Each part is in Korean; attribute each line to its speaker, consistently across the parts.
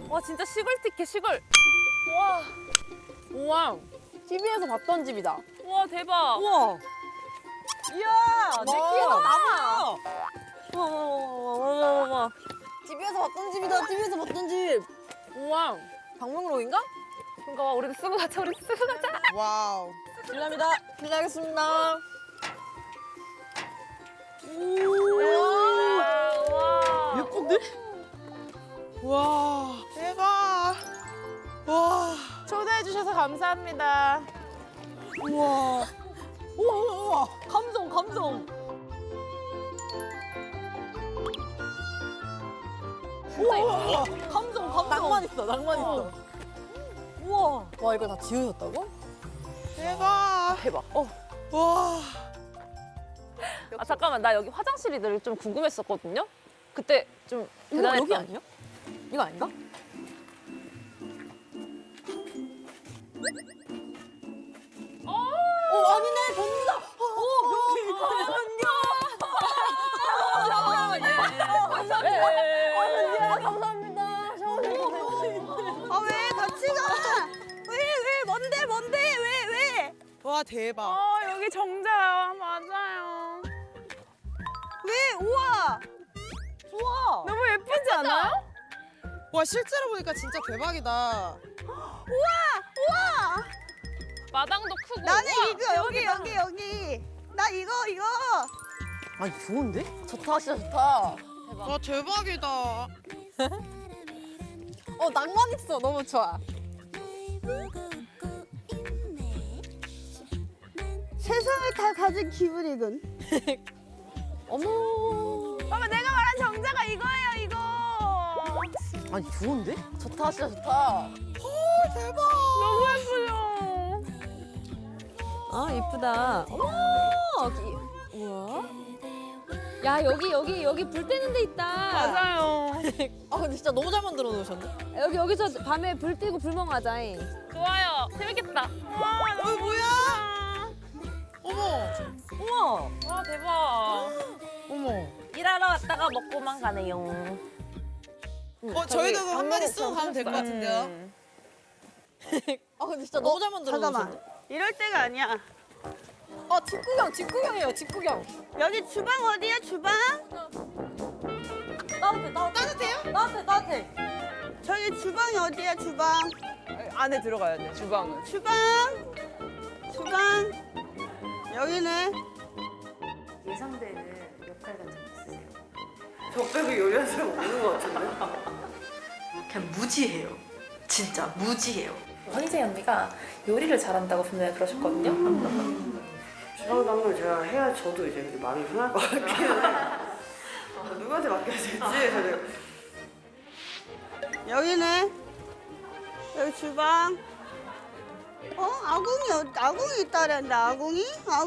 Speaker 1: 와 진짜 시골 티켓 시골. 와. 우와.
Speaker 2: TV에서 봤던 집이다.
Speaker 1: 우와 대박.
Speaker 2: 우와.
Speaker 1: 이야 내 키에다 나무야.
Speaker 2: 와. TV에서 봤던 집이다. TV에서 봤던 집.
Speaker 1: 우와.
Speaker 2: 방명록인가?
Speaker 1: 그러니까 와 우리도 쓰고 가자 우리도 쓰고 가자.
Speaker 2: 와우. 실례합니다. 실례하겠습니다.
Speaker 1: 와.
Speaker 2: 예쁜데? 와. 대박. 와.
Speaker 1: 초대해 주셔서 감사합니다.
Speaker 2: 우와. 우와. 감성, 감성. 우와. 감성, 감성. 낭만 있어, 낭만 있어. 우와. 와, 이거 다 지으셨다고?
Speaker 3: 대박.
Speaker 1: 대박.
Speaker 3: 와.
Speaker 1: 아 잠깐만 나 여기 화장실이 늘 좀 궁금했었거든요. 그때 좀
Speaker 2: 이거
Speaker 1: 대단했던.
Speaker 2: 여기 아니야? 이거 아닌가? 아니네, 변기다. 감사합니다.
Speaker 3: 아, 왜 같이 가? 왜? 뭔데? 왜? 와, 대박.
Speaker 1: 여기 정자야 맞아요.
Speaker 3: 왜? 우와.
Speaker 2: 우와.
Speaker 1: 너무 예쁘지 않아요?
Speaker 3: 와, 실제로 보니까 진짜 대박이다. 우와.
Speaker 1: 마당도 크고.
Speaker 3: 나는
Speaker 1: 우와,
Speaker 3: 이거
Speaker 1: 대박이다.
Speaker 3: 여기. 나 이거.
Speaker 2: 아니, 좋은데? 좋다, 진짜 좋다.
Speaker 3: 와, 대박이다.
Speaker 2: 낭만 있어. 너무 좋아.
Speaker 3: 세상을 다 가진 기분이군.
Speaker 2: 어머.
Speaker 1: 봐봐 내가 말한 정자가 이거예요 이거.
Speaker 2: 아니, 좋은데? 좋다, 진짜 좋다.
Speaker 1: 너무 예쁘죠.
Speaker 4: 아 이쁘다. 어머, 우와. 야 여기 불 때는 데 있다.
Speaker 1: 맞아요.
Speaker 2: 근데 진짜 너무 잘 만들어 놓으셨네.
Speaker 4: 여기서 밤에 불 떼고 불멍하자.
Speaker 1: 좋아요. 재밌겠다. 와 너무
Speaker 3: 뭐야? 어머.
Speaker 2: 우와.
Speaker 1: 와 대박.
Speaker 2: 어머.
Speaker 1: 일하러 왔다가 먹고만 가네요.
Speaker 3: 저희도 그거 한 마디 쓰고 가면 될 것 같은데요.
Speaker 2: 근데 진짜 너무 잘 만들어
Speaker 3: 잠깐만.
Speaker 2: 놓으셨네.
Speaker 3: 이럴 때가 아니야.
Speaker 2: 직구경이에요, 직구경.
Speaker 3: 여기 주방 어디야, 주방?
Speaker 2: 따뜻해. 따뜻해.
Speaker 3: 저기 주방이 어디야, 주방?
Speaker 1: 안에 들어가야 돼 주방은.
Speaker 3: 주방. 여기네.
Speaker 5: 예상되는 역할 같은 거 있으세요?
Speaker 6: 저 빼고 요리하는 사람 없는 것 같은데?
Speaker 5: 그냥 무지해요. 진짜 무지해요.
Speaker 7: 황희재 언니가 요리를 잘한다고 분명히 그러셨거든요.
Speaker 6: 주방 담당 제가 해야 저도 이제 마음이 편할 것 같긴 해. 누구한테 맡겨야 될지 제가
Speaker 3: 여기네. 여기 주방. 아궁이 있다랬는데, 아궁이?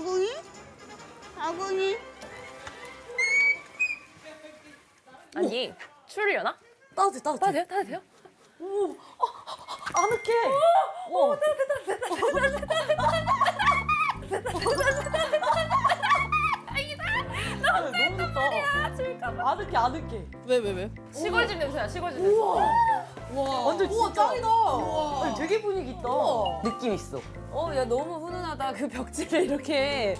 Speaker 1: 아니 추리려나?
Speaker 2: 따뜻해.
Speaker 1: 따뜻해요?
Speaker 2: 아늑해. 너무 좋다. 아늑해. 왜?
Speaker 1: 시골집 냄새야 시골집 냄새.
Speaker 2: 완전 진짜. 짱이다. 아니, 되게 분위기 있다.
Speaker 4: 느낌 있어. 야 너무 훈훈하다. 그 벽지를 이렇게.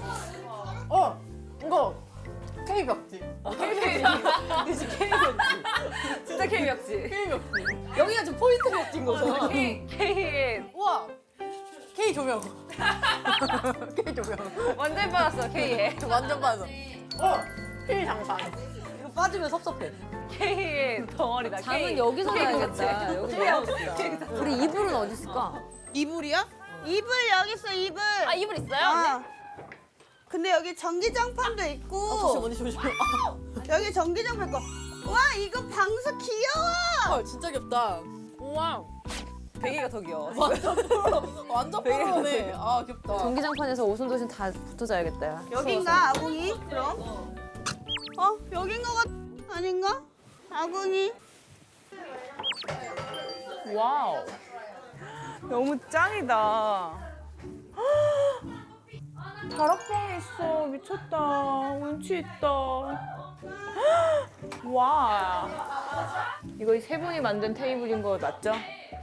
Speaker 2: 이거 K 벽지. 그치, K 벽지.
Speaker 1: 진짜 K벽지.
Speaker 2: K 벽지. 여기가 좀 포인트 벽지인 거잖아.
Speaker 1: K
Speaker 2: 우와. K 조명. K 조명.
Speaker 1: 완전 받았어 K에.
Speaker 2: 완전 빠져. K 장판. 이거 빠지면 섭섭해.
Speaker 1: K 덩어리다.
Speaker 4: 잠은
Speaker 1: K.
Speaker 4: 여기서
Speaker 1: K
Speaker 4: 자야겠다. 여기 너무 좋다. 우리 이불은 어디 있을까?
Speaker 3: 이불이야? 이불 여기 있어, 이불.
Speaker 1: 아 이불 있어요?
Speaker 3: 근데 여기 전기장판도 있고.
Speaker 2: 조심.
Speaker 3: 여기 전기장판 있고. 와, 이거 방수 귀여워.
Speaker 2: 진짜 귀엽다.
Speaker 1: 우와. 베개가 더 귀여워.
Speaker 2: 완전 뽀로네. 귀엽다.
Speaker 4: 전기장판에서 오순도순 다 붙어 자야겠다. 야.
Speaker 3: 여긴가, 아궁이? 그럼? 여긴 거 아닌가? 아궁이?
Speaker 1: 와우. 너무 짱이다. 다락방 있어. 미쳤다. 운치 있다. 와.
Speaker 8: 이거 세 분이 만든 테이블인 거 맞죠?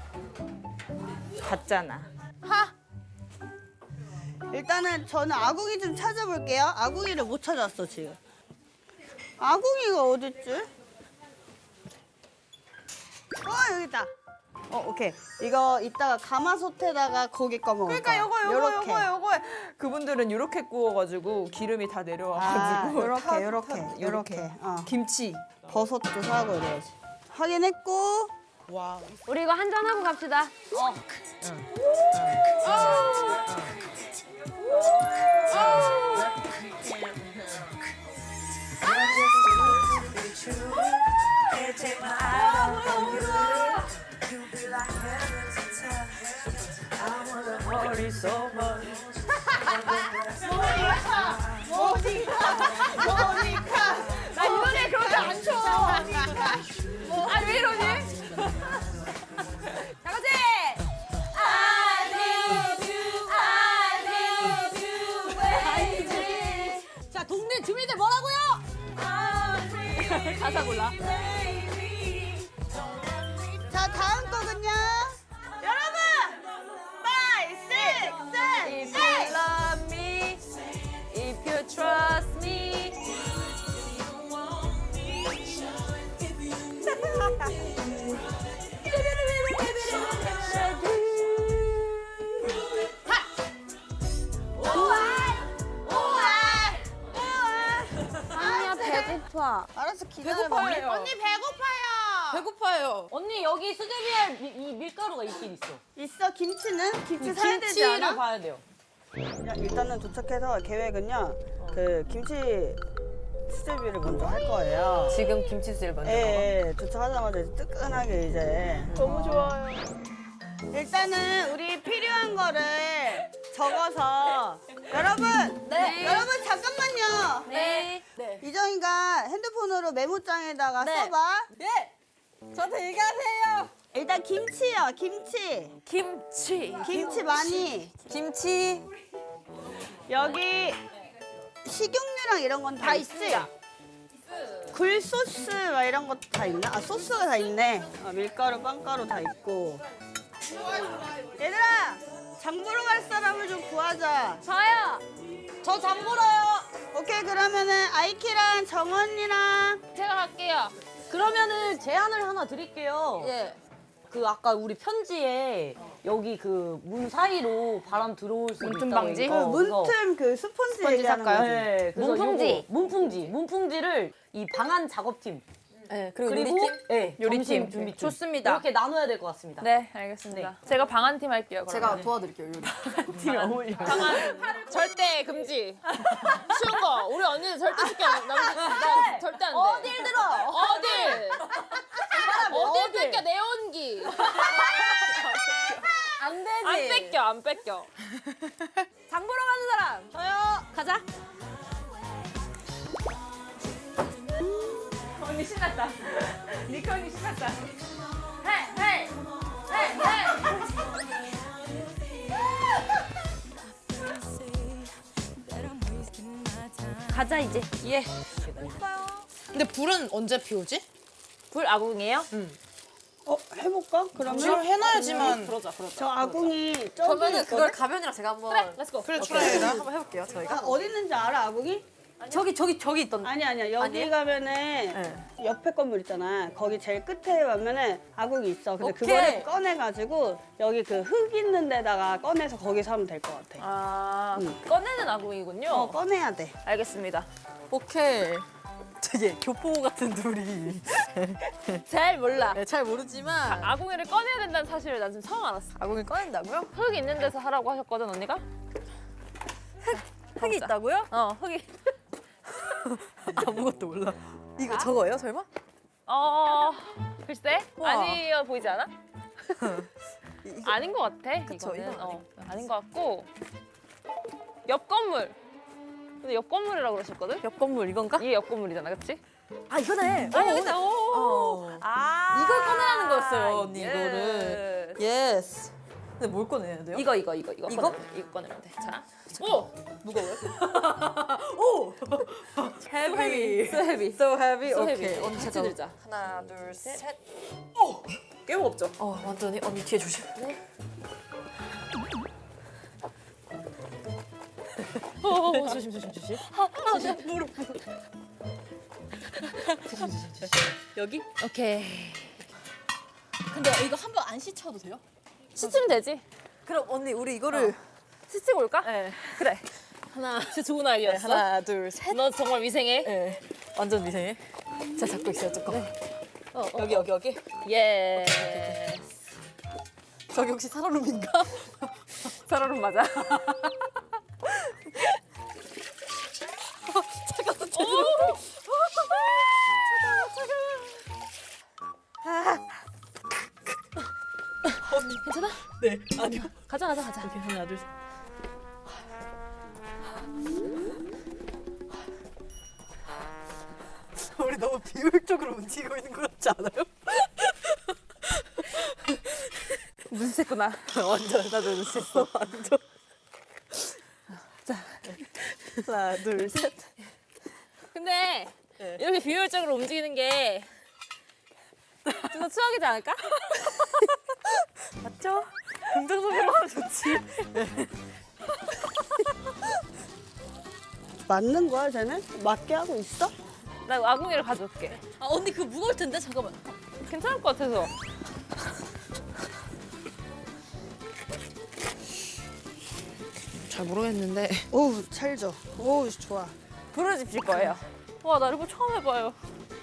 Speaker 8: 같잖아.
Speaker 3: 일단은 저는 아궁이 좀 찾아볼게요. 아궁이를 못 찾았어 지금. 아궁이가 어딨지? 여기 있다. 오케이. 이거 이따가 가마솥에다가 고기 꺼먹을
Speaker 8: 그러니까
Speaker 3: 거야. 요렇게.
Speaker 8: 요거. 그분들은 이렇게 구워가지고 기름이 다 내려와가지고.
Speaker 3: 요렇게.
Speaker 8: 김치.
Speaker 3: 버섯도 사고 이래야지. 확인했고.
Speaker 4: 우리 이거 한잔 하고 갑시다.
Speaker 8: 나 이 노래 그렇게 안 쳐. 아, 왜 이러니? 다 같이!
Speaker 2: 자, 동네 주민들 뭐라고요?
Speaker 8: 가사 골라.
Speaker 3: 자, 다음 거군요. 여러분! 5, 6, 7,
Speaker 8: If you love me, if you trust me.
Speaker 4: 아니야 배고파.
Speaker 3: 알았어, 기다려봐.
Speaker 8: 배고파요.
Speaker 3: 언니 배고파요.
Speaker 2: 배고파요.
Speaker 1: 언니 여기 수제비에 이 밀가루가 있긴 있어.
Speaker 3: 있어, 김치는? 김치 사야 되지 않아?
Speaker 1: 봐야 돼요.
Speaker 3: 일단은 도착해서 계획은요. 그 김치 수제비를 먼저 할 거예요.
Speaker 1: 지금 김치 수제비 먼저
Speaker 3: 예, 도착하자마자 이제 뜨끈하게 이제.
Speaker 8: 너무 좋아요.
Speaker 3: 일단은 우리 필요한 거를 적어서 여러분,
Speaker 4: 네.
Speaker 3: 여러분 잠깐만요.
Speaker 4: 네.
Speaker 3: 이정이가 핸드폰으로 메모장에다가
Speaker 4: 네.
Speaker 3: 써봐.
Speaker 2: 예. 저한테 얘기하세요.
Speaker 3: 일단 김치요, 김치. 김치 많이.
Speaker 2: 김치.
Speaker 3: 여기 식용유랑 이런 건 다 있지? 굴소스 막 이런 것도 다 있나? 아, 소스가 다 있네. 밀가루, 빵가루 다 있고. 얘들아, 장 보러 갈 사람을 좀 구하자.
Speaker 4: 저요.
Speaker 2: 저 장보러요.
Speaker 3: 오케이, 그러면은 아이키랑 정언니랑
Speaker 1: 제가 갈게요. 그러면은 제안을 하나 드릴게요.
Speaker 2: 예.
Speaker 1: 그 아까 우리 편지에 여기 그 문 사이로 바람 들어올 수
Speaker 8: 문틈
Speaker 1: 있다고
Speaker 8: 방지?
Speaker 3: 그 문틈 그 스펀지 얘기하는
Speaker 8: 살까요?
Speaker 3: 거지.
Speaker 1: 네, 그래서
Speaker 4: 문풍지.
Speaker 1: 요거 문풍지를 이 방안 작업팀
Speaker 2: 네,
Speaker 1: 그리고
Speaker 2: 요리팀?
Speaker 8: 요리팀.
Speaker 1: 점심 준비팀
Speaker 2: 좋습니다.
Speaker 1: 이렇게 나눠야 될 것 같습니다.
Speaker 8: 네, 알겠습니다. 제가 방한팀 할게요. 그러면.
Speaker 2: 제가 도와드릴게요, 요리.
Speaker 1: 팀이 어울려.
Speaker 8: 절대 금지. 쉬운 거. 우리 언니는 절대 쉽게 안 나 절대 안 돼.
Speaker 1: 어딜 들어?
Speaker 8: 어딜? 어딜 뺏겨 내 온기.
Speaker 1: 안 되지.
Speaker 8: 안 뺏겨 안 뺏겨.
Speaker 1: 장 보러 가는 사람.
Speaker 4: 저요. 가자.
Speaker 8: 언니 신났다. 니커 언니 신났다.
Speaker 1: 헤이.
Speaker 4: 가자 이제.
Speaker 2: 예. 근데 불은 언제 피우지?
Speaker 1: 불 아궁이에요?
Speaker 3: 해볼까? 그러면
Speaker 2: 해놔야지만.
Speaker 1: 그러자.
Speaker 3: 저 아궁이 저기
Speaker 2: 그러면은 그걸
Speaker 3: 있거든?
Speaker 2: 가변이랑 제가 한번.
Speaker 1: 그래, 렛츠고.
Speaker 2: 그래, 출하해라. 한번 해볼게요, 저희가.
Speaker 3: 아, 어디 있는지 알아, 아궁이?
Speaker 2: 저기 있던.
Speaker 3: 아니야. 여기 가면은 옆에 건물 있잖아. 거기 제일 끝에 가면은 아궁이 있어. 근데
Speaker 2: 오케이.
Speaker 3: 그거를 꺼내가지고 여기 그 흙 있는 데다가 꺼내서 거기서 하면 될 것 같아.
Speaker 8: 아 꺼내는 아궁이군요.
Speaker 3: 꺼내야 돼.
Speaker 8: 알겠습니다.
Speaker 2: 오케이. 되게 교포 같은 둘이.
Speaker 8: 잘 몰라.
Speaker 2: 네, 잘 모르지만
Speaker 8: 아궁이를 꺼내야 된다는 사실을 난 지금 처음 알았어.
Speaker 2: 아궁이 꺼낸다고요?
Speaker 8: 흙 있는 데서 하라고 하셨거든 언니가?
Speaker 2: 흙이 있다고요?
Speaker 8: 흙이.
Speaker 2: 아무것도 몰라. 이거 저거예요, 설마?
Speaker 8: 글쎄
Speaker 2: 우와.
Speaker 8: 아니어 보이지 않아? 아닌 것 같아.
Speaker 2: 그쵸,
Speaker 8: 이거는.
Speaker 2: 이건
Speaker 8: 아닌 것 같고 옆 건물. 근데 옆 건물이라고 그러셨거든?
Speaker 2: 옆 건물 이건가?
Speaker 8: 이게 옆 건물이잖아, 그렇지?
Speaker 2: 아 이거네.
Speaker 8: 그치?
Speaker 2: 어.
Speaker 8: 아
Speaker 2: 이걸 꺼내라는 거였어요, 언니,
Speaker 8: 예.
Speaker 2: 이거를. 예스. 근데 뭘 꺼내야 돼요?
Speaker 1: 이거
Speaker 2: 이거?
Speaker 1: 이거 꺼내면 돼. 자, 오,
Speaker 2: 무거워요? 오! heavy.
Speaker 1: so heavy.
Speaker 2: So heavy.
Speaker 1: so
Speaker 2: 오케이.
Speaker 1: heavy.
Speaker 2: 언니
Speaker 1: 같이
Speaker 2: 잠깐만.
Speaker 1: 들자.
Speaker 2: 하나, 둘, 셋.
Speaker 1: 꽤 무겁죠?
Speaker 2: 완전히 언니 뒤에 조심.
Speaker 1: 조심 조심 조심.
Speaker 2: 여기?
Speaker 1: 오케이.
Speaker 2: 근데 이거 한 번 안 씻혀도 돼요?
Speaker 1: 씻으면 되지.
Speaker 2: 그럼 언니 우리 이거를
Speaker 1: 씻고 올까?
Speaker 2: 네.
Speaker 1: 그래. 진짜 좋은 아이디어였어.
Speaker 2: 하나, 둘, 셋.
Speaker 1: 너 정말 위생해.
Speaker 2: 네. 완전 미생해. 자, 잡고 있어요, 조금. 여기.
Speaker 1: 예.
Speaker 2: 저기 혹시 살얼음인가?
Speaker 1: 살얼음 맞아.
Speaker 2: 잠깐만, 제대로.
Speaker 1: 괜찮아?
Speaker 2: 네, 아니요.
Speaker 1: 가자.
Speaker 2: 오케이, 하나, 둘, 셋. 우리 너무 비효율적으로 움직이고 있는 것 같지 않아요?
Speaker 1: 눈치챘구나.
Speaker 2: 완전 나도 눈치챘어. 완전. 자, 하나, 둘, 셋.
Speaker 1: 근데
Speaker 2: 네.
Speaker 1: 이렇게 비효율적으로 움직이는 게 좀 더 추억이지 않을까?
Speaker 2: 맞죠? 긍정적으로 하면 좋지.
Speaker 3: 맞는 거야, 쟤는? 맞게 하고 있어?
Speaker 1: 나 아궁이를 가져올게.
Speaker 2: 아, 언니 그거 무거울 텐데? 잠깐만.
Speaker 1: 괜찮을 것 같아서.
Speaker 8: 잘 모르겠는데.
Speaker 3: 오우, 찰져. 오우, 좋아.
Speaker 1: 부르짖을 거예요. 와, 나 이거 처음 해봐요.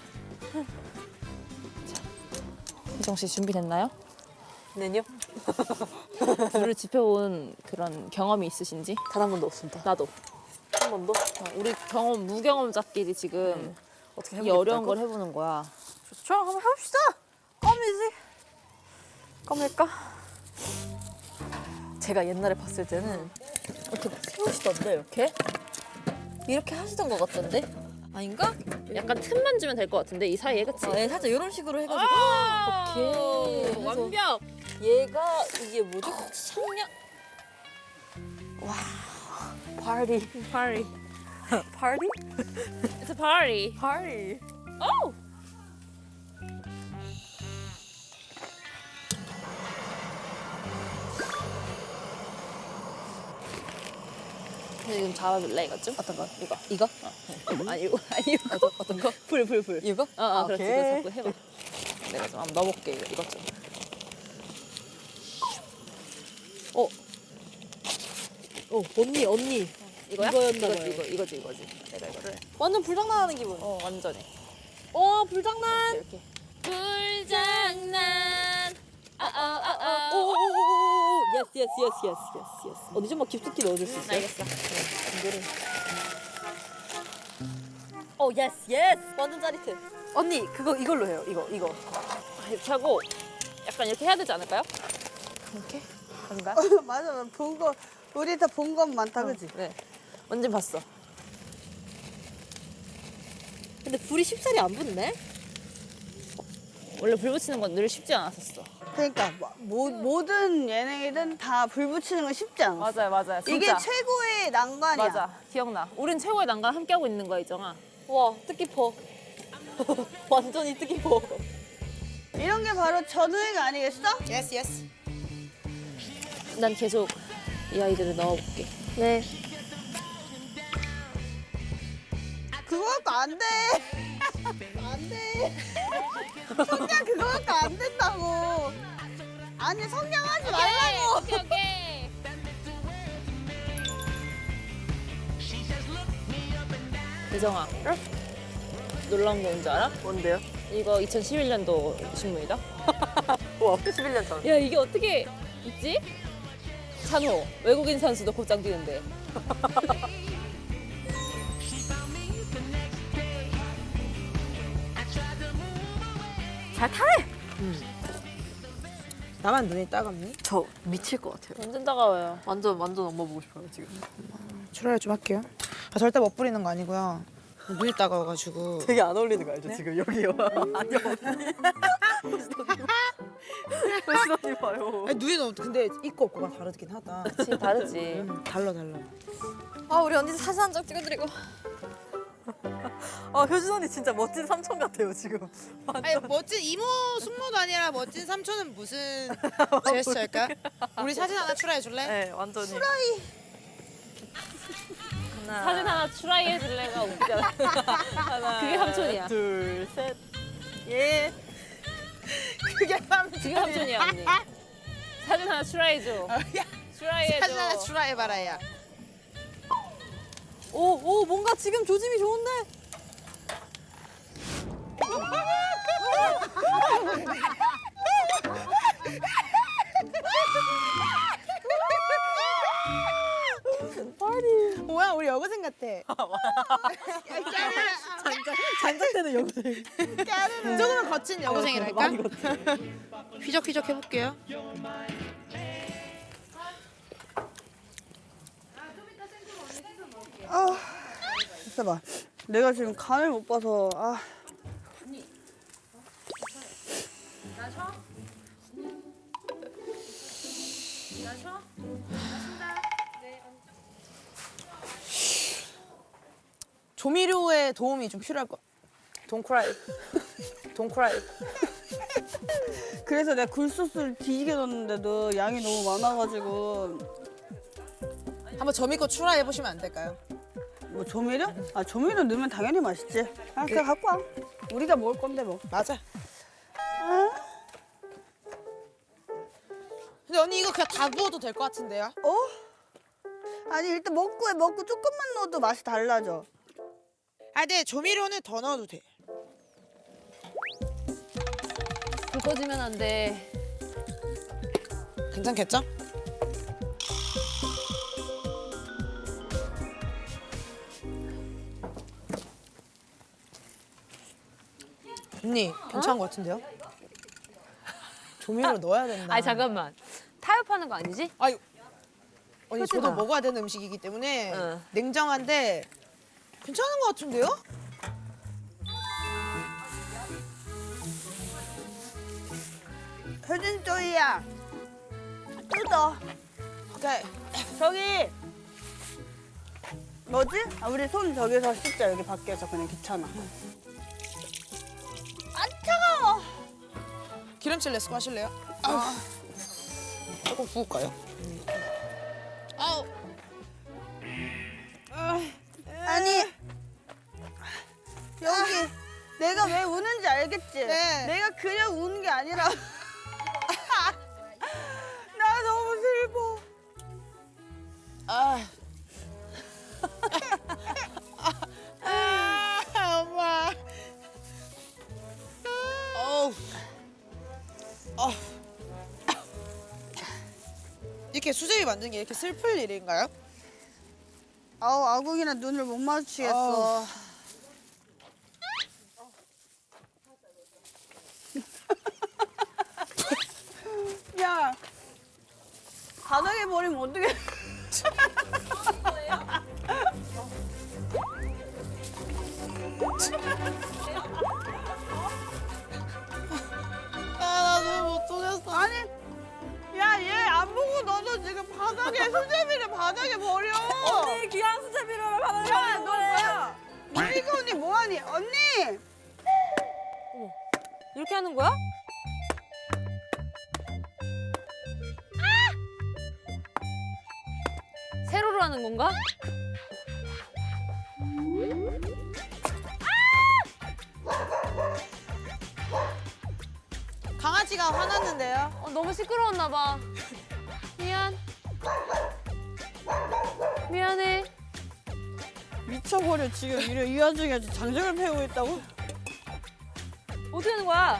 Speaker 1: 희정 씨 준비됐나요?
Speaker 2: 네요?
Speaker 1: 불을 지펴본 그런 경험이 있으신지?
Speaker 2: 단 한 번도 없습니다.
Speaker 1: 나도.
Speaker 2: 한 번도?
Speaker 1: 우리 무경험자끼리 지금
Speaker 2: 어떻게
Speaker 1: 이
Speaker 2: 해보겠다고?
Speaker 1: 어려운 걸 해보는 거야.
Speaker 2: 좋죠? 한번 해봅시다. 껌이지. 껌일까? 제가 옛날에 봤을 때는 이렇게 세우시던데, 이렇게? 이렇게 하시던 것 같던데? 아닌가?
Speaker 1: 약간 틈만 주면 될 것 같은데 이 사이에, 그치?
Speaker 2: 네, 살짝 이런 식으로 해가지고 오케이. 해서
Speaker 1: 완벽!
Speaker 2: 얘가 이게 뭐지? 상냥? 와, 파티.
Speaker 1: 파리.
Speaker 2: 파티?
Speaker 1: It's a party.
Speaker 2: 파티.
Speaker 1: Oh! 지금 잡아줄래 이거 좀?
Speaker 2: 어떤 거?
Speaker 1: 이거.
Speaker 2: 이거?
Speaker 1: 아니 이거
Speaker 2: 어떤 거?
Speaker 1: 불.
Speaker 2: 이거?
Speaker 1: 그렇지.
Speaker 2: 오케이.
Speaker 1: 이거 자꾸 해봐. 내가 좀 한번 넣어볼게 이것 좀.
Speaker 2: 언니.
Speaker 1: 이거야?
Speaker 2: 이거였나 봐요.
Speaker 1: 이거지. 내가 이거를.
Speaker 2: 완전 불장난하는 기분.
Speaker 1: 완전히.
Speaker 2: 불장난.
Speaker 1: 이렇게. 불장난.
Speaker 2: 오오오오. 예스. 언니 좀만 깊숙이 넣어줄 수 있어요?
Speaker 1: 알겠어.
Speaker 2: 이거를. 예스. 완전 짜릿해. 언니 이걸로 해요. 이거.
Speaker 1: 이렇게 하고 약간 이렇게 해야 되지 않을까요? 이렇게? 그런가?
Speaker 3: 맞아, 본 거, 우리 다 본 건 많다, 그지?
Speaker 1: 네. 뭔지 봤어.
Speaker 2: 근데 불이 쉽사리 안 붙네.
Speaker 1: 원래 불 붙이는 건 늘 쉽지 않았었어.
Speaker 3: 그러니까, 모든 예능이든 다 불 붙이는 건 쉽지 않아.
Speaker 1: 맞아요.
Speaker 3: 이게
Speaker 1: 진짜.
Speaker 3: 최고의 난관이야.
Speaker 1: 맞아. 기억나. 우린 최고의 난관 함께 하고 있는 거야, 이정아.
Speaker 2: 와, 뜻깊어. 완전히 뜻깊어.
Speaker 3: 이런 게 바로 전우회가 아니겠어?
Speaker 1: 난 계속 이 아이들을 넣어볼게.
Speaker 2: 네.
Speaker 3: 그거 갖고 안 돼. 안 돼. 성냥 그거 갖고 안 된다고. 아니, 성냥하지 말라고.
Speaker 1: 오케이. 이정아. 놀라운 게 뭔지 알아?
Speaker 2: 뭔데요?
Speaker 1: 이거 2011년도 신문이다.
Speaker 2: 와, 11년 전.
Speaker 1: 야, 이게 어떻게 있지? 찬호, 외국인 선수도 곧장 뛰는데.
Speaker 2: 잘 타네.
Speaker 8: 나만 눈이 따갑니?
Speaker 2: 저 미칠 것 같아요.
Speaker 1: 완전 따가워요.
Speaker 2: 완전 엄마 보고 싶어요 지금.
Speaker 8: 출혈 좀 할게요. 절대 멋부리는 거 아니고요. 눈이 따가워가지고.
Speaker 2: 되게 안 어울리는 거 알죠? 지금 여기요. 아니요. 효진 언니 봐요.
Speaker 9: 아니, 누이는 근데 있고 없고가 다르긴 하다.
Speaker 1: 그치, 다르지.
Speaker 9: 달라.
Speaker 4: 아 우리 언니 사진 한 장 찍어드리고.
Speaker 2: 아 효진 언니 진짜 멋진 삼촌 같아요 지금.
Speaker 9: 아니 멋진 이모 숙모도 아니라 멋진 삼촌은 무슨 제스처일까? 우리 사진 하나 출하해 줄래?
Speaker 2: 네 완전히.
Speaker 1: 사진 하나 추라이 해줄래가 웃기잖아. 그게 삼촌이야.
Speaker 2: 둘 셋. 예.
Speaker 9: 그게 삼촌.
Speaker 1: 그게 삼촌이야 언니. 사진 하나 추라이 해줘. 추라이 해줘.
Speaker 9: 사진 하나 출하해 봐라야.
Speaker 2: 오 뭔가 지금 조짐이 좋은데.
Speaker 9: 뭐야 우리 여고생 같아.
Speaker 2: 장작되는 여고생.
Speaker 9: 조금은 거친 여고생이랄까?
Speaker 2: 많이 걷지.
Speaker 9: 휘적휘적 해볼게요.
Speaker 3: 있어봐. 내가 지금 간을 못 봐서 아.
Speaker 9: 조미료의 도움이 좀 필요할 거. Don't cry. Don't cry.
Speaker 3: 그래서 내가 굴소스를 뒤지게 넣었는데도 양이 너무 많아가지고
Speaker 9: 한번 저미 거 출하해 보시면 안 될까요?
Speaker 3: 뭐 조미료? 아 조미료 넣으면 당연히 맛있지. 아 그냥 갖고 와. 우리가 먹을 건데 뭐.
Speaker 9: 맞아. 근데 언니 이거 그냥 다 부어도 될 것 같은데요?
Speaker 3: 어? 아니 일단 먹고 해. 먹고 조금만 넣어도 맛이 달라져.
Speaker 9: 아, 네 조미료는 더 넣어도 돼.
Speaker 4: 불 꺼지면 안 돼.
Speaker 9: 괜찮겠죠? 언니 괜찮은 것 같은데요? 조미료 넣어야 된다.
Speaker 4: 아니 잠깐만. 타협하는 거 아니지?
Speaker 9: 아유, 언니 저도
Speaker 4: 효진아.
Speaker 9: 먹어야 되는 음식이기 때문에
Speaker 4: 응.
Speaker 9: 냉정한데 괜찮은 것 같은데요?
Speaker 3: 효진 쪼이야. 뜯어.
Speaker 9: 오케이.
Speaker 3: 저기 뭐지? 아 우리 손 저기서 씻자. 여기 밖에서 그냥 귀찮아. 아 차가워.
Speaker 9: 기름칠 레스코 하실래요? 아. 조금 부을까요? 아우.
Speaker 3: 아니 여기 내가 왜 우는지 알겠지?
Speaker 9: 네.
Speaker 3: 내가 그냥 우는 게 아니라 나 너무 슬퍼.
Speaker 9: 아. 엄마. 어우. 이렇게 수제비 만든 게 이렇게 슬플 일인가요?
Speaker 3: 아우 아궁이랑 눈을 못 마주치겠어. 야 바닥에 버리면 어떡해.
Speaker 9: 아, 나 너무 못 속였어.
Speaker 3: 아니 야 얘 안 보고 너도 지금 바닥에 수제비를 바닥에 버려.
Speaker 2: 언니 귀한 수제비를 받아야
Speaker 3: 야,
Speaker 2: 하는
Speaker 3: 너
Speaker 2: 거예요.
Speaker 3: 뭐야? 미리가 언니 뭐하니? 언니!
Speaker 1: 이렇게 하는 거야?
Speaker 4: 세로로 하는 건가?
Speaker 9: 강아지가 화났는데요.
Speaker 4: 너무 시끄러웠나 봐. 미안. 미안해.
Speaker 3: 미쳐버려 지금 이 와중에 장작을 패고 있다고?
Speaker 1: 어떻게 하는 거야?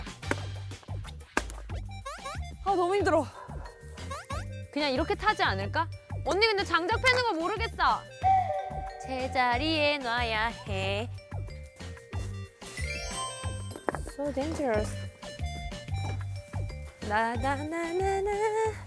Speaker 1: 아 너무 힘들어.
Speaker 4: 그냥 이렇게 타지 않을까? 언니 근데 장작 패는 거 모르겠어. 제자리에 놔야 해. So dangerous. 나나나나나.